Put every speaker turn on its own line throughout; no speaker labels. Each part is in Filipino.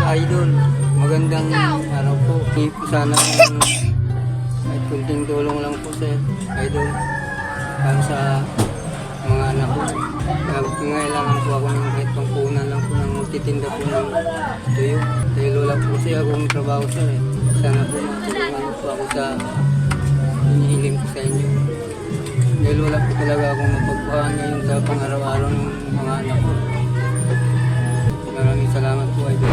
Idol. Magandang araw po. Hindi po sana kahit kunting tulong lang po sir, Idol. Para sa mga anak ko. Kailangan po ako ng kahit pangpunan lang po ng magtitinda po ng tuyo. Dahil wala po kasi akong trabaho sir. Sana po matulungan po ako sa hinihiling ko sa inyo. Dahil wala po talaga akong mapagpuhan ngayon sa pang-araw-araw ng mga anak ko. Maraming salamat po, Idol.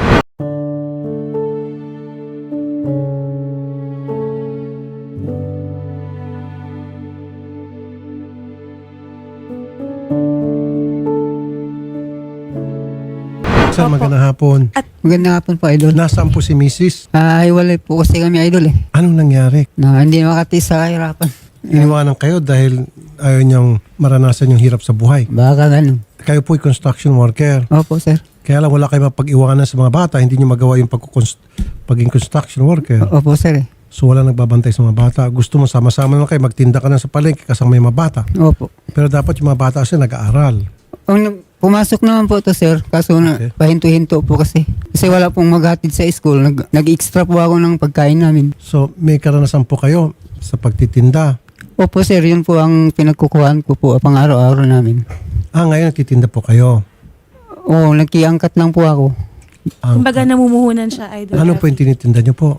Sir, magandang hapon.
Magandang hapon po, Idol.
Nasaan po si Mrs.?
Hiwalay po kasi kami, Idol eh.
Anong nangyari?
Na hindi makatiis sa kahirapan.
Iniwanan kayo dahil ayaw niyang maranasan yung hirap sa buhay.
Baka ganun.
Kayo po'y construction worker.
Opo, sir.
Kaya lang wala kayo mapag-iwanan sa mga bata. Hindi niyo magawa yung pagiging construction worker.
Opo, sir eh.
So wala nagbabantay sa mga bata. Gusto mo sama-sama lang kayo. Magtinda ka na sa palengke kasama yung mga bata.
Opo.
Pero dapat yung mga bata kasi nag-aaral.
Pumasok naman po to sir. Kaso na pahinto-hinto po kasi. Kasi wala pong maghatid sa school. Nag-extra po ako ng pagkain namin.
So may karanasan po kayo sa pagtitinda.
Opo, sir. Yun po ang pinagkukuhaan ko po pang araw-araw namin.
Ngayon nagtitinda po kayo.
Oo, nagkiangkat lang po ako.
Kumbaga namumuhunan siya, Idol.
Ano po yung tinitinda niyo po?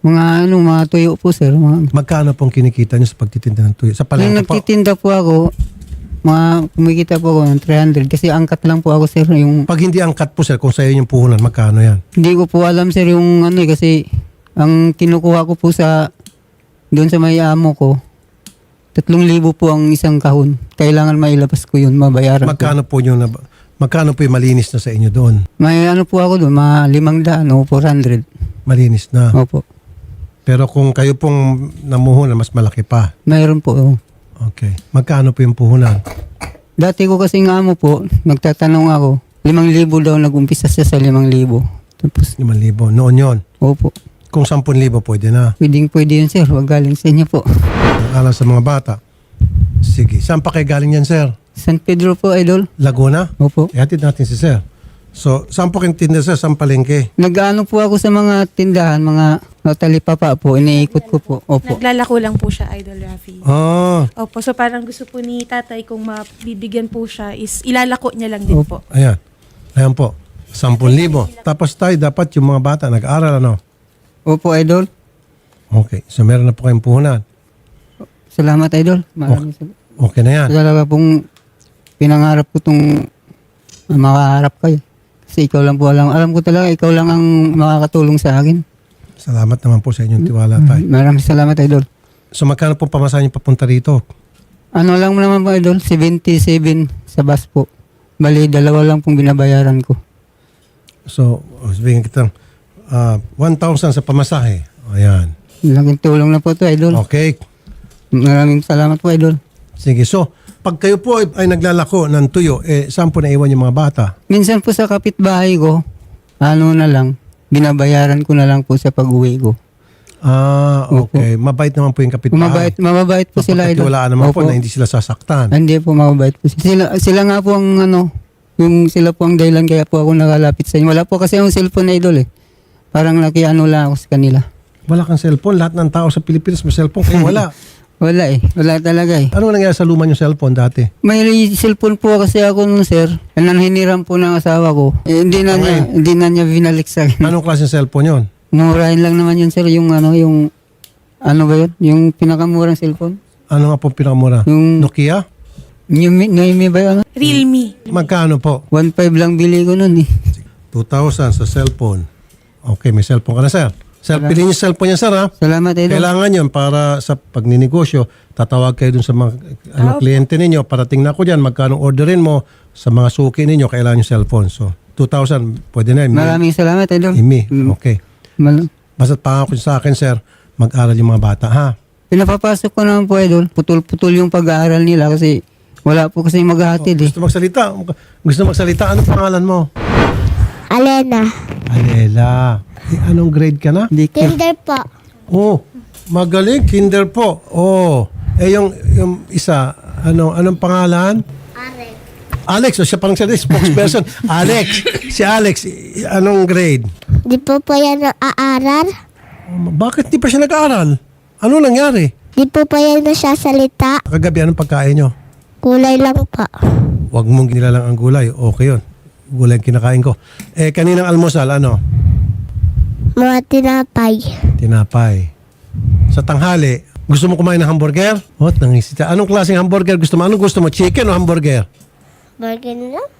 Mga tuyo po, sir.
Magkano pong kinikita niyo sa pagtitinda ng tuyo? Sa
Nung
palengke po?
nagtitinda po ako, kumikita po ako ng 300 kasi angkat lang po ako, sir.
Pag hindi angkat po sir, kung sa'yo yung puhunan, magkano yan?
Hindi ko po alam, sir, yung kasi ang kinukuha ko po doon sa may amo ko, 3,000 po ang isang kahon. Kailangan mailabas ko yun, mabayaran
Magkano po yung malinis na sa inyo doon?
May po ako doon, 500 o 400.
Malinis na.
Opo.
Pero kung kayo pong namuhunan, mas malaki pa.
Mayroon po.
Okay. Magkano po yung puhunan?
Dati ko kasing amo po, nagtatanong ako, 5,000 daw nag-umpisa siya sa 5,000. Tapos,
5,000. Noon yon.
opo.
Kung 10,000 pwede na.
Pwede yun, sir. Wag galing sa inyo po.
Alam sa mga bata. Sige. Saan pa kayo galing yan, sir?
San Pedro po, Idol.
Laguna?
Opo.
Ihatid natin si sir. So, saan po kayong tinda, sir? Saan palengke?
Nag-ano po ako sa mga tindahan, mga talipapa po, iniikot ko po. Opo.
Naglalako lang po siya, Idol Rafi. Opo, so parang gusto po ni tatay kung mabibigyan po siya is ilalako niya lang din po.
Ayan. Ayan po. 10,000. Tapos tayo, dapat yung mga bata nag-aral, ano?
Opo, Idol.
Okay. So, meron na po kayong puhunan.
Salamat, Idol. Maraming salamat.
Okay na yan.
Talaga pong pinangarap ko itong makaharap kayo. Kasi ikaw lang po alam ko talaga, ikaw lang ang makakatulong sa akin.
Salamat naman po sa inyong tiwala, tay.
Maraming salamat, Idol.
So, magkano pong pamasahe niyo papunta rito?
Ano lang naman po, Idol? 77 sa bus po. Bali, 2 lang pong binabayaran ko.
So, sabihin kita, 1,000 sa pamasahe. Ayan.
Laking tulong na po ito, Idol.
Okay.
Maraming salamat po, Idol.
Sige. So, pag kayo po ay naglalako ng tuyo, saan po naiwan yung mga bata?
Minsan po sa kapitbahay ko, binabayaran ko na lang po sa pag-uwi ko.
Okay. Mabait naman po yung kapitbahay.
Mababait po sila, Idol.
Mapagkatiwalaan naman po na hindi sila sasaktan.
Hindi po, mababait po sila nga po ang sila po ang dahilan kaya po ako nakalapit sa inyo. Wala po kasi yung cellphone na, Idol eh. Parang nakiano lang ako sa kanila.
Wala kang cellphone. Lahat ng tao sa Pilipinas may cellphone. Kayo wala.
Wala eh. Wala talaga eh.
Ano nangyari sa luma yung cellphone dati?
May cellphone po kasi ako nun, sir. Hiniram po ng asawa ko. Hindi na niya binalik sa akin.
Anong klase ng cellphone yon?
Murahin lang naman yun, sir. Yung ano ba yun? Yung pinakamurang cellphone.
Ano nga po pinakamura?
Yung
Nokia?
Noemi ba yun?
Realme.
Magkano po?
1.5 lang bili ko nun eh.
2,000 sa cellphone. Okay, may cellphone ka na, sir. Sir, piliin yung cellphone niya, sir, ha?
Salamat, Idol.
Kailangan yun para sa pagninegosyo. Tatawag kayo dun sa mga kliyente ninyo. Parating na ako dyan, magkano orderin mo sa mga suki ninyo, kailangan yung cellphone. So, 2,000, pwede na.
Maraming salamat, Idol.
Okay. Basta pangako sa akin, sir, mag-aral yung mga bata, ha?
Pinapapasok ko naman po, Idol. Putol-putol yung pag-aaral nila kasi wala po kasi maghahatid eh.
Gusto magsalita? Anong pangalan mo?
Alena.
Alela. Anong grade ka na?
Kinder po.
Oh, magaling. Kinder po. Oh. Yung isa, anong pangalan? Alex. O siya parang siya spokesperson. Alex. Si Alex, anong grade?
Di po yan aaral.
Bakit di pa siya nag-aaral? Ano nangyari?
Di po yan nagsasalita.
Kagabi, anong pagkain nyo?
Kulay lang po.
Huwag mong ginilalang ang gulay. Okay yun. Gulay ang kinakain ko. Kaninang almusal, ano?
Mga tinapay.
Tinapay. Sa tanghali, gusto mo kumain ng hamburger? What? Nangisita. Anong klaseng hamburger gusto mo? Anong gusto mo? Chicken o hamburger?
Burger na lang.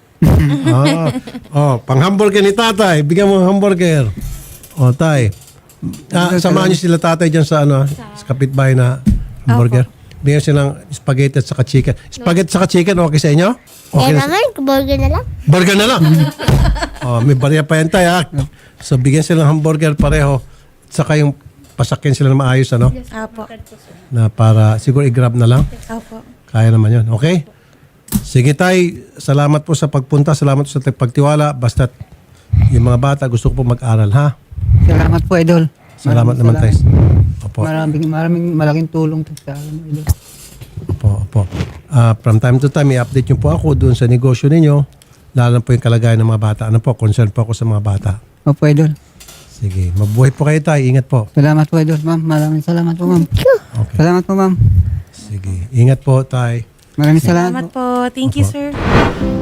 Pang hamburger ni tatay. Bigyan mo ng hamburger. Tay. Samahan niyo sila tatay dyan sa sa kapitbahay na hamburger. Bigyan silang spaghetti at saka chicken. Spaghetti at saka chicken, okay sa inyo? Okay na
naman, burger na lang.
burger na lang. May barya pa yan tayo, ha? So, bigyan sila ng hamburger pareho. At saka yung pasakyan sila na maayos, ano?
Apo.
Na para, siguro i-grab na lang.
Apo.
Kaya naman yun. Okay? Sige tay, salamat po sa pagpunta. Salamat po sa pagtiwala. Basta yung mga bata gusto ko po mag-aral, ha?
Salamat po, Idol.
Salamat naman tayo. Opo.
Maraming malaking tulong to sa akin, Idol.
Opo. From time to time, i-update nyo po ako doon sa negosyo ninyo. Lalo na po yung kalagayan ng mga bata. Ano po, concern po ako sa mga bata.
Opo, Idol.
Sige, mabuhay po kayo tayo. Ingat po.
Salamat po, Idol, ma'am. Maraming salamat po, ma'am.
Okay.
Salamat po, ma'am.
Sige, ingat po tayo.
Maraming salamat
Salamat po. Thank you, sir.